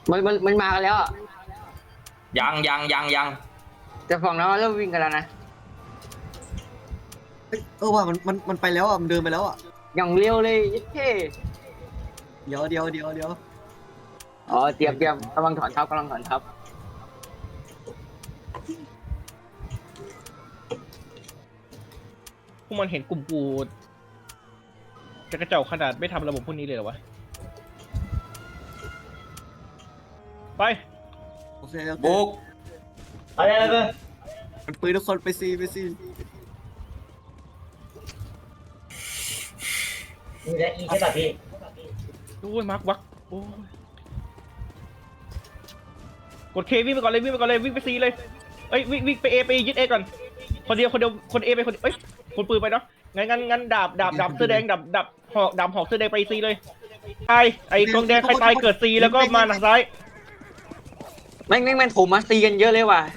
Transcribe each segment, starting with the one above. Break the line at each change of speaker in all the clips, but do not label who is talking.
มันมากันแล้วอะ
ยัง
แต่ฝั่งนั้นเริ่มวิ่งกันแล้วนะ
ว่ามันไปแล้วอ่ะมันเดินไปแล้วอ่ะ
อย่างเร็วเลยยิ่งเท่
เดี๋ยว
อ๋อเตรียมกำลังถอนทัพ
พวกมันเห็นกลุ่มกูจะกระเจ้าขนาดไม่ทำระบบพวกนี้เลยเหรอวะไป
โอเค
บุก
อะไรเลย
มันปืนทุกคนไปซี
มีและอีใช่ป่ะพี่
โอ้ยมาร์ควักโอ้ยกดเควิ่งไปก่อนเลยวิ่งไปซีเลยเอ้ยวิ่งไปเอไปยึดเอก่อนคนเดียวคนเอไปคนเอ้ยคนปืนไปเนาะงั้นดาบเสื้อแดงดาบหอกเสื้อแดงไปซีเลยไอ้กองแดงใครตายเกิดซีแล้วก็มาทางซ้าย
แม่งโถมมาตีกันเยอะเลยว่ะ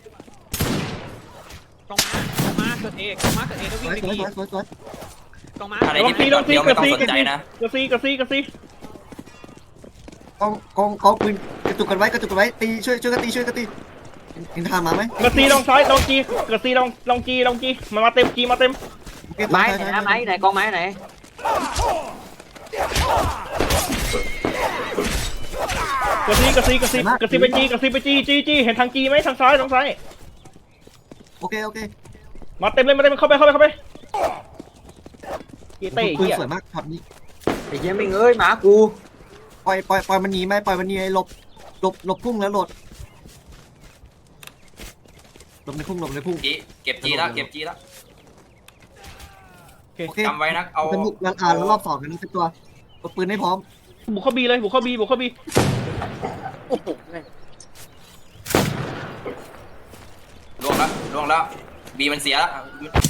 กองม้าเกิดเอกองม้าเกิดเอกแล้ว
ส
วิ่ง
วย
ไป
สวย
ดี
สวย
กองม้า
อะไรที่เป็นแบบเดียวไม่ต้องสนใจนะ
กระซี
กองปืนกระตุกกันไว้ตีช่วยกันตีเห็นทางมาไหม
กระซีลองซ้ายลองจีกระซีลองจีมาเต็มจีมาเต็ม
ไม้ไหนนะไม้ไหนกองไม้ไหน
กระซีไปจีเห็นทางจีไหมทางซ้ายทางซ้าย
โอเค
มาเต็มเลยเข้าไปกีเต้
ปืน
เหี้ย
สวยมากช็อตนี้
ไอ้เหี้ยไม่เอ้ยหมากู
ปล่อยมันหนีไหมปล่อยมันหนีหลบพุ่งแล้วหลบในพุ่ง
จีเก็บจีแล้ว
โอเค
จำไว้นะเอา
สนุกแล้วรอบ2กันเป็นตัวปืนให้พร้อม
บุกเข้าบีเลยบุกเข้าบี
โอ้โห
ล่วงแล้วบีมันเสียแล้ว